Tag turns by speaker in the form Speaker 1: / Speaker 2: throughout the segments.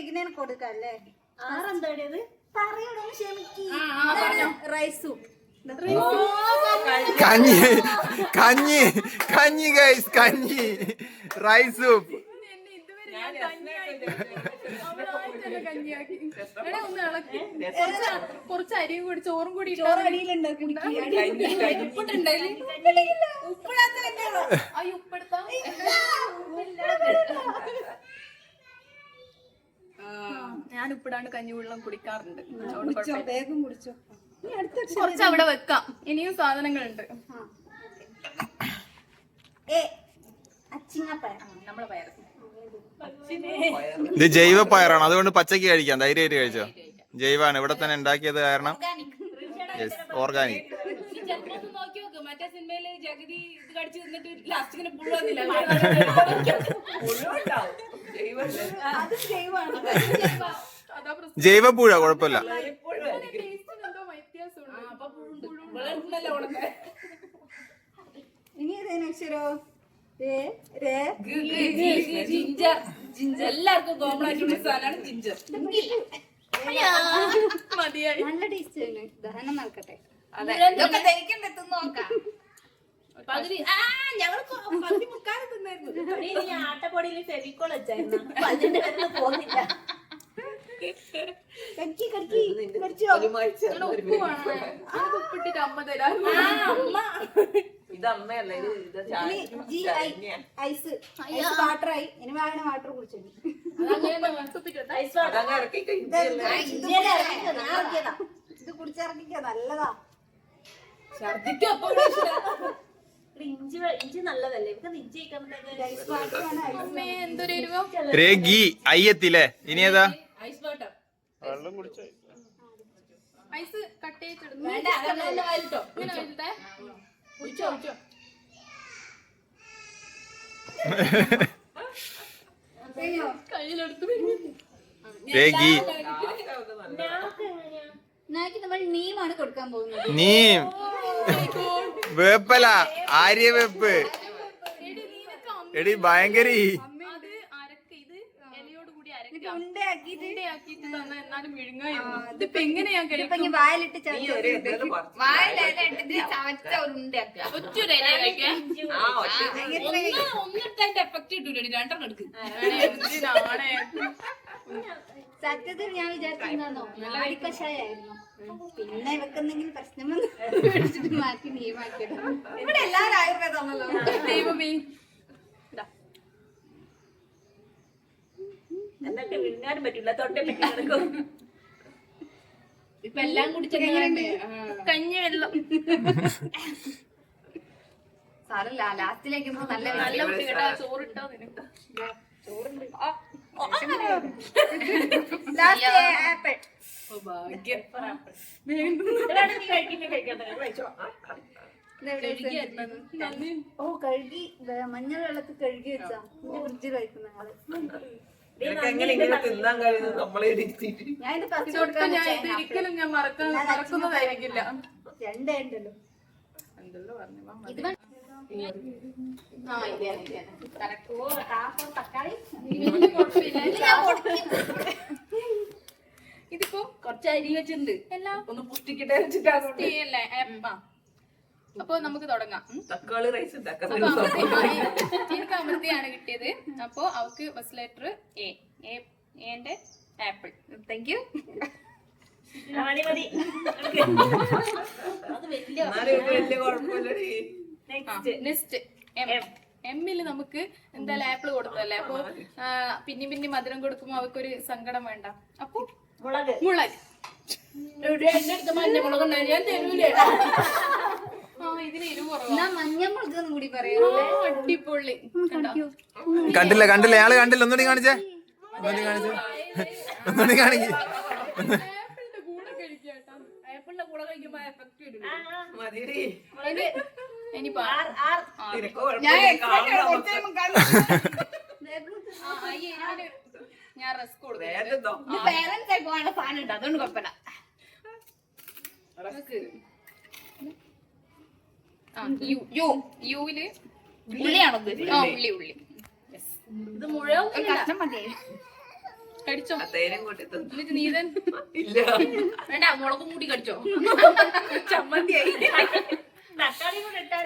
Speaker 1: ഇങ്ങനെ കൊടുക്കല്ലേ? റൈസും
Speaker 2: കഞ്ഞി കഞ്ഞി കഞ്ഞി ഗൈസ്, കഞ്ഞി റൈസ് സൂപ്പ്.
Speaker 3: കുറച്ച് അരിയും കൂടി ചോറും കൂടി ഞാൻ ഉപ്പിടാണ്ട് കഞ്ഞിവെള്ളം കുടിക്കാറുണ്ട്.
Speaker 1: വേഗം കുടിച്ചോ.
Speaker 3: കുറച്ച് അവിടെ വെക്കാം, ഇനിയും സാധനങ്ങളുണ്ട്. നമ്മളെ പയർ
Speaker 2: ഇത് ജൈവ പയറാണ്, അതുകൊണ്ട് പച്ചക്ക് കഴിക്കാം, ധൈര്യമായിട്ട് കഴിച്ചോ. ജൈവാണ്, ഇവിടെ തന്നെ ഉണ്ടാക്കിയത് കാരണം ഓർഗാനിക്.
Speaker 4: മറ്റേ സിനിമയില് ജഗതി ഇത് കടിച്ചു തിന്നിട്ട് ലാസ്റ്റ് ഇങ്ങനെ പുഴുവന്നില്ല.
Speaker 2: ജൈവ പുഴ കുഴപ്പമില്ല.
Speaker 1: ഇനി ഏതേനും അക്ഷരോ?
Speaker 4: ജിഞ്ചർ. ജിഞ്ചർ എല്ലാവർക്കും കോമൺ ആയിട്ടുള്ള സാധനമാണ് ജിഞ്ചർ.
Speaker 3: മതിയായി.
Speaker 1: നല്ല ടേസ്റ്റ് ആണ്. ദഹനം നടക്കട്ടെ.
Speaker 4: ആട്ടപ്പൊടിയിൽ ഫെവിക്കോൾ വെച്ചായിരുന്നു.
Speaker 3: ഉപ്പിട്ടിട്ട് അമ്മ തരാം.
Speaker 4: ഇതമ്മയല്ല,
Speaker 1: ഐസ് വാട്ടറായി. ഇനി വേണം വാട്ടർ കുടിച്ചു. ഇത് കുടിച്ചിറക്കിക്ക, നല്ലതാ.
Speaker 4: ഇഞ്ചി നല്ലതല്ലേ?
Speaker 3: എന്തൊരു എരിവോ.
Speaker 2: അയ്യത്തില്ലേ. ഇനി ഏതാ?
Speaker 4: Ice water.
Speaker 3: ഐസ് കട്ട് ചെയ്തിടുന്നു. കയ്യിലെടുത്ത്
Speaker 1: നമ്മൾ നീമാണ് കൊടുക്കാൻ പോകുന്നത്.
Speaker 2: നീം വേപ്പല, ആര്യവേപ്പ്. എടി ഭയങ്കര
Speaker 1: വായിലിട്ട് സത്യത്തിൽ ഞാൻ വിചാരിച്ചിരുന്നോ നാടിക്കഷായിരുന്നു. പിന്നെ വെക്കുന്നെങ്കിൽ പ്രശ്നം മേടിച്ചിട്ട് മാറ്റി നീമാക്കിയിടും. ഇവിടെ എല്ലാവരും ആയുർവേദമാണല്ലോ.
Speaker 3: ദൈവമേ,
Speaker 4: എന്നൊക്കെ വിഴുങ്ങാനും പറ്റില്ല, തൊട്ടേ പറ്റി. ഇപ്പൊ എല്ലാം കുടിച്ചത്
Speaker 3: കഞ്ഞി വെള്ളം.
Speaker 1: സാരല്ല, ലാസ്റ്റിലേക്ക് നല്ല
Speaker 3: നല്ല കുട്ടി കേട്ടാ. ചോറിട്ടോ നിനക്ക്?
Speaker 1: ആപ്പിൾ. ഓ കഴുകി, മഞ്ഞൾ വെള്ളത്തിൽ കഴുകി വെച്ചാ ഫ്രിഡ്ജിൽ കഴിക്കുന്ന ആള്. ഞാൻ ഇത് ഫസ്റ്റ്
Speaker 3: ഒരിക്കലും ഞാൻ മറക്കുന്നതായിരിക്കില്ല.
Speaker 1: രണ്ടേ ഉണ്ടല്ലോ.
Speaker 3: എന്തെല്ലോ പറഞ്ഞു. ഇതിപ്പോ
Speaker 4: കുറച്ച് അരി വെച്ചിട്ടുണ്ട്,
Speaker 3: എല്ലാം
Speaker 4: ഒന്ന് പുഷ്ടിക്കട്ടെ വെച്ചിട്ടാണ്.
Speaker 3: അപ്പൊ നമുക്ക് തുടങ്ങാം.
Speaker 4: തക്കാളി റൈസ്
Speaker 3: എനിക്ക് അമൃതയാണ് കിട്ടിയത്. അപ്പൊ അവക്ക് ഫസ്റ്റ് ലെറ്റർ എന്റെ ആപ്പിൾ. Thank you. നെക്സ്റ്റ് എമ്മില് നമുക്ക് എന്തായാലും ആപ്പിൾ കൊടുത്തല്ലേ. അപ്പൊ പിന്നെ മധുരം കൊടുക്കുമ്പോ അവർക്കൊരു സങ്കടം വേണ്ട. അപ്പൊ മുളക്.
Speaker 4: മഞ്ഞമുളക് ഞാൻ തരൂലേ?
Speaker 3: ഇതിന് എരിവ് കുറവാ.
Speaker 1: മഞ്ഞമുളക് കൂടി പറയാം.
Speaker 3: അടിപൊളി.
Speaker 2: കണ്ടില്ല കണ്ടില്ല, ആള് കണ്ടില്ല. ഒന്നുകൂടി കാണിച്ചേ, ഒന്നുകൂടി കാണിച്ചേ, ഒന്നുകൂടി കാണിക്കേ.
Speaker 3: ആപ്പിളിന്റെ കൂടെ കഴിക്കാട്ടാ.
Speaker 4: ആപ്പിളിന്റെ കൂടെ കഴിക്കുമ്പോ എഫക്ട് വരും.
Speaker 3: ഞാൻ റസ്ക് കൊടുക്കും.
Speaker 1: അതുകൊണ്ട് കുഴപ്പമില്ല.
Speaker 3: യുവില്
Speaker 1: ഉള്ളിയാണോ?
Speaker 3: ഉള്ളി.
Speaker 4: ഇത് മുഴുവൻ
Speaker 1: കഷ്ണം മതി.
Speaker 3: കടിച്ചോ
Speaker 5: തേനും കൂട്ടി തിന്നു.
Speaker 3: എന്നിട്ട് നീതൻ
Speaker 5: ഇല്ല
Speaker 4: വേണ്ട മുളകും കൂടി കടിച്ചോ
Speaker 5: ചമ്മന്തിയായി.
Speaker 4: തക്കാളി കൂടെ ഇട്ടാല്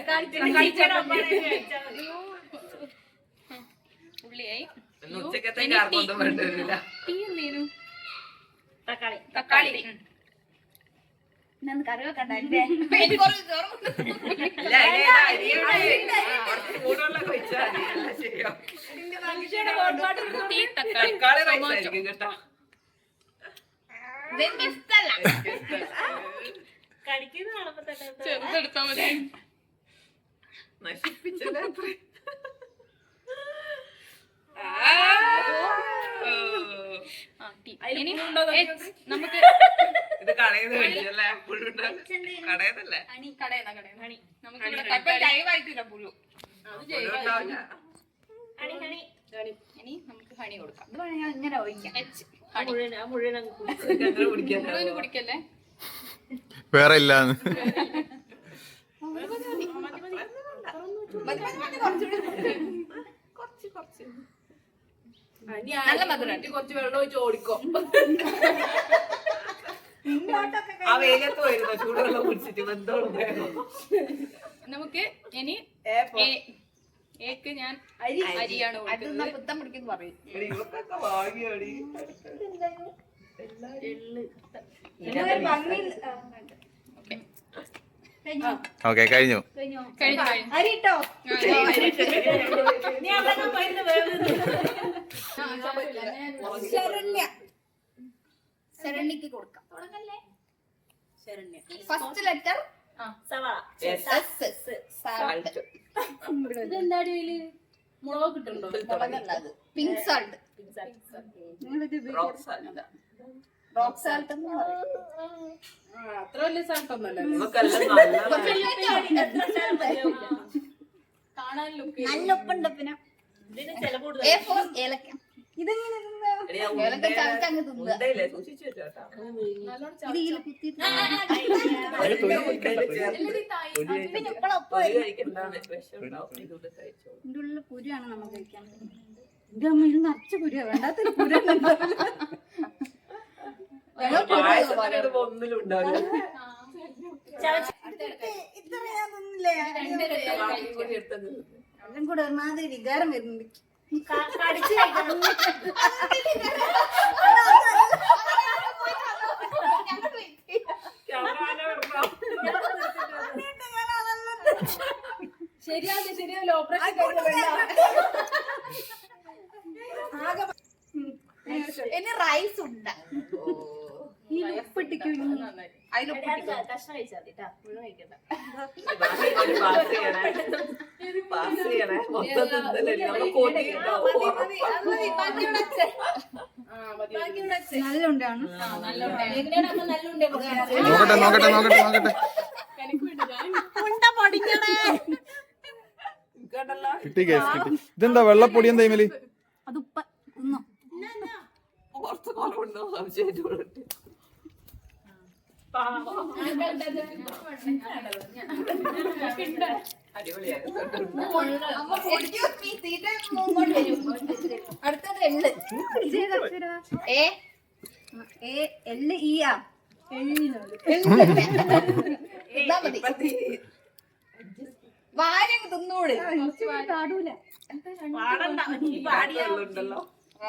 Speaker 3: ഉള്ളിയായി
Speaker 5: ഇന്ന് ഉച്ചക്കത്തെ കാർക്കൊന്നും വേണ്ടിവരില്ല.
Speaker 3: ടീ എന്തേനു
Speaker 4: തക്കാളി
Speaker 3: തക്കാളി
Speaker 1: ഇന്ന് കറി വെക്കണ്ടേ
Speaker 5: ഇല്ല, അരിയുടെ കുറച്ച് ചൂടുവെള്ളമൊക്കെ ഒഴിച്ചാൽ മതി. എല്ലാം ശരിയാവും.
Speaker 3: ടീ തക്കാളി
Speaker 5: തക്കാളി റൈസ് ആയിരിക്കും കേട്ടോ.
Speaker 4: കടിക്കുന്ന കാണുമ്പോ തന്നെ
Speaker 3: ചെറുതെടുത്താ മതി
Speaker 5: നശിപ്പിച്ചത്
Speaker 3: ആ, ടീ. ഇനി നമുക്ക്
Speaker 5: ഇത് കടയിൽ നിന്ന് മേടിച്ചല്ലേ? പുഴുണ്ടാകും. കടയിന്നല്ലേ?
Speaker 3: കടയുന്ന നമുക്ക് ഇവിടെ
Speaker 5: ലൈവായിട്ടില്ല പുഴു. പുഴുണ്ടാവില്ല.
Speaker 3: ഇനി നമുക്ക് ഹണി കൊടുക്കാം
Speaker 1: ഇത് വേണമെങ്കിൽ ഇങ്ങനെ ഒഴിക്കാം.
Speaker 3: എച്ച് ഹണി
Speaker 4: മുഴുവൻ അങ്ങ്
Speaker 5: ഇതൊക്കെ അങ്ങനെ കുടിക്കാൻ
Speaker 3: മുഴുവൻ കുടിക്കല്ലേ
Speaker 2: വേറെ ഇല്ലാന്ന്.
Speaker 4: നല്ല മധുരം കുറച്ച് വെള്ളം ഒഴിച്ച് ഓടിക്കോ
Speaker 5: ആ വെയിലത്ത് വരുന്നോ ചൂടുവെള്ളം കുടിച്ചിട്ട് ബന്ധമുള്ള
Speaker 3: നമുക്ക് ഇനി ഏക്ക് ഞാൻ അരിയാണ് കൊടുക്കുന്നത്
Speaker 1: പുത്തം പിടിക്കുന്നു പറയും.
Speaker 5: ഇവർക്കൊക്കെ വാങ്ങിയോടി.
Speaker 2: ഓക്കെ കഴിഞ്ഞു.
Speaker 3: കഴിഞ്ഞു കഴിഞ്ഞു
Speaker 1: അരിട്ടോ ശരണ്യക്ക് കൊടുക്കാം. ഫസ്റ്റ് ലെറ്റർ
Speaker 4: ഇതെന്താടി മുളക് കിട്ടുന്നുണ്ടോ
Speaker 1: പിങ്ക് സാൾട്ട്. റോക്ക് സാൾട്ട് എന്ന് പറയും.
Speaker 4: അത്ര വലിയ സ്ഥലത്തൊന്നല്ല
Speaker 5: നമുക്കെല്ലാം
Speaker 4: കാണാൻ ലുക്ക്
Speaker 1: നല്ല ഉപ്പുണ്ട്. പിന്നെ A4 ഏലക്ക. ഇതെങ്ങനെ തിന്നാ? ഏലക്ക ചതച്ചങ്ങ് തിന്നുക.
Speaker 5: മുണ്ടയില്ലേ സൂക്ഷിച്ചു വെച്ചോട്ടാ.
Speaker 1: ഇത് ഇതില് കുത്തിയിട്ട്
Speaker 5: പിന്നെ കഴിക്കണ്ടാണ് വിഷം ഉണ്ടാവും. ഇതുകൊണ്ട് കഴിച്ചോളൂ.
Speaker 1: ഇതിന്റെ ഉള്ളിൽ കുരുവാണ് നമ്മൾ കഴിക്കാൻ. ഇത് നിറച്ച കുരുവാ. വേണ്ടാത്തൊരു കുരു
Speaker 5: പായസത്തിനിടുമ്പോ ഒന്നിലും ഉണ്ടാവില്ല.
Speaker 1: ഇത്ര ഞാൻ തിന്നില്ലേ?
Speaker 5: ബാക്കി കൂടി എടുത്തത്
Speaker 1: എല്ലാം കൂടെ ഒരുമാതിരി വികാരം വരുന്നുണ്ട്.
Speaker 4: ശരിയാവില്ല ഓപ്പറേഷൻ
Speaker 1: ഇനി റൈസ് ഉണ്ട്. ഈ ഉപ്പിട്ടിക്കും അതിലൊപ്പിട്ടിക്കും.
Speaker 4: കഷ്ണം കഴിച്ചാൽ മതി മുഴുവൻ കഴിക്കണ്ട
Speaker 5: പാസ് ചെയ്യണേ. മൊത്തം തിന്നലല്ലേ നമ്മള് കൊതിയുണ്ടാവും.
Speaker 1: നല്ല ഉണ്ടാണ്.
Speaker 4: എങ്ങനെയാണ് അമ്മ നല്ല ഉണ്ടേ
Speaker 2: നോക്കട്ടെ.
Speaker 5: കേട്ടല്ലോ
Speaker 2: കിട്ടി കേസ് കിട്ടി. ഇതെന്താ വെള്ളപ്പൊടി എന്താ ഇമലി?
Speaker 1: അത് ഉപ്പ തിന്നോ.
Speaker 5: കുറച്ച് കുറവുണ്ടോ സംശയമായിട്ട് വിളിട്ട്
Speaker 1: അടുത്തത് എള്ള്. എള്ള് ഈയാ വാരങ്ങ് തിന്നോട്. പാടൂല.
Speaker 5: ഉണ്ടല്ലോ.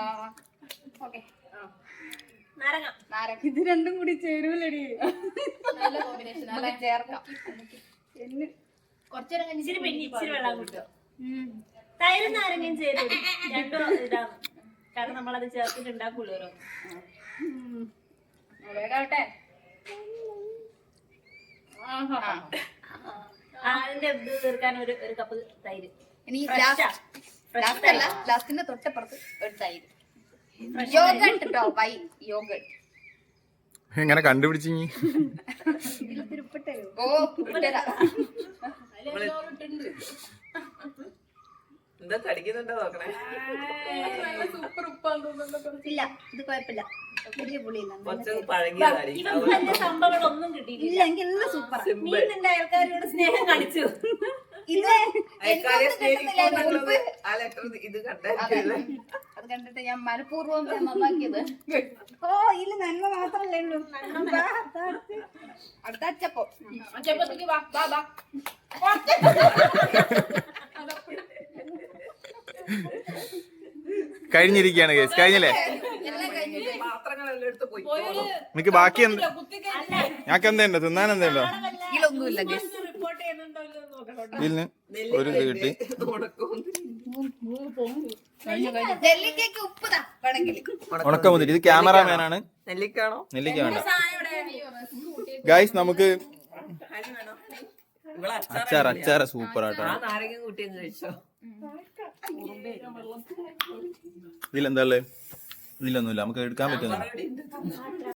Speaker 1: ഇത് രണ്ടും കൂടി ചേരൂലടി.
Speaker 3: നല്ല കോമ്പിനേഷൻ അല്ലേ
Speaker 1: ചേർക്കാം.
Speaker 3: കുറച്ചേരം കഴിഞ്ഞ്
Speaker 4: ഇച്ചിരി വെള്ളം കിട്ടും തൈരും നാരങ്ങയും ചേരും രണ്ടും ഇതാണ് കാരണം നമ്മളത് ചേർത്തിട്ട് ഉണ്ടാക്കൂലോ
Speaker 3: വേഗാവട്ടെ
Speaker 4: അതിന്റെ ഇത് തീർക്കാൻ ഒരു കപ്പ് തൈര്
Speaker 1: ഇനി ലാസ്റ്റിന്റെ തൊട്ടപ്പുറത്ത് ഒരു തൈര്. യോഗട്ട് കേട്ടോ. Why yogurt.
Speaker 2: എങ്ങനെ കണ്ടുപിടിച്ചു?
Speaker 1: ഓ ഉപ്പിട്ടതാ.
Speaker 5: എന്താ കടിക്കുന്നുണ്ടോ നോക്കണേ.
Speaker 3: സൂപ്പർ ഉപ്പാന്ന് തോന്നുന്നുണ്ടോ?
Speaker 1: ഇല്ല ഇത് കുഴപ്പമില്ല. വലിയ പുളിയില്ല.
Speaker 5: കുറച്ച് പഴകിയതായിരിക്കും.
Speaker 4: വലിയ സംഭവങ്ങളൊന്നും കിട്ടിയില്ല.
Speaker 1: ഇല്ല എനിക്ക് എല്ലാം സൂപ്പറാ.
Speaker 4: നീ നിന്റെ അയൽക്കാരോട് സ്നേഹം കാണിച്ചു
Speaker 1: ഇത്
Speaker 5: അയൽക്കാരെ സ്നേഹിക്കുന്നുള്ളത് ആ ലെറ്റർ ഇത് കണ്ടായിരിക്കും.
Speaker 1: അത്
Speaker 3: കണ്ടിട്ട് ഞാൻ മനഃപൂർവ്വം നന്നാക്കിയത്.
Speaker 1: ഓ ഇതില് നന്മ മാത്രല്ലേ ഉള്ളൂ.
Speaker 3: അടുത്ത അച്ചപ്പം.
Speaker 4: അച്ചപ്പത്തേക്ക് വാ വാ വാ.
Speaker 2: കഴിഞ്ഞിരിക്കുകയാണ് കേസ്. കഴിഞ്ഞില്ലേ?
Speaker 5: പാത്രങ്ങളെല്ലാം എടുത്ത് പോയി
Speaker 2: നിനക്ക് ബാക്കി എന്ത്? ഞങ്ങൾക്ക് എന്തുണ്ട് തിന്നാൻ എന്തുണ്ടോ?
Speaker 3: ഇതിലൊന്നുമില്ല ഗസ്.
Speaker 4: റിപ്പോർട്ട് ചെയ്യുന്നുണ്ടോ ഇല്ലയോ എന്ന് നോക്കണം.
Speaker 2: ഇതിന് ഒരു ഇത് കിട്ടി.
Speaker 3: നെല്ലിക്കയ്ക്ക് ഉപ്പുതാ വേണമെങ്കിൽ.
Speaker 2: ഉണക്കമുന്തിരി. ഇത് ക്യാമറാമാനാണ്.
Speaker 5: നെല്ലിക്കാണോ?
Speaker 2: നെല്ലിക്ക വേണ്ട ഗൈസ്. നമുക്ക്
Speaker 5: ഇവിടെ
Speaker 2: അച്ചാറ് സൂപ്പർ ആട്ടോ.
Speaker 5: ആ നാരങ്ങ കൂട്ടിയെന്ന് കഴിച്ചോ?
Speaker 2: ഇതിലെന്താ ഉള്ളത്? ഇതിലൊന്നുമില്ല. നമുക്ക് എടുക്കാൻ പറ്റുന്നില്ല.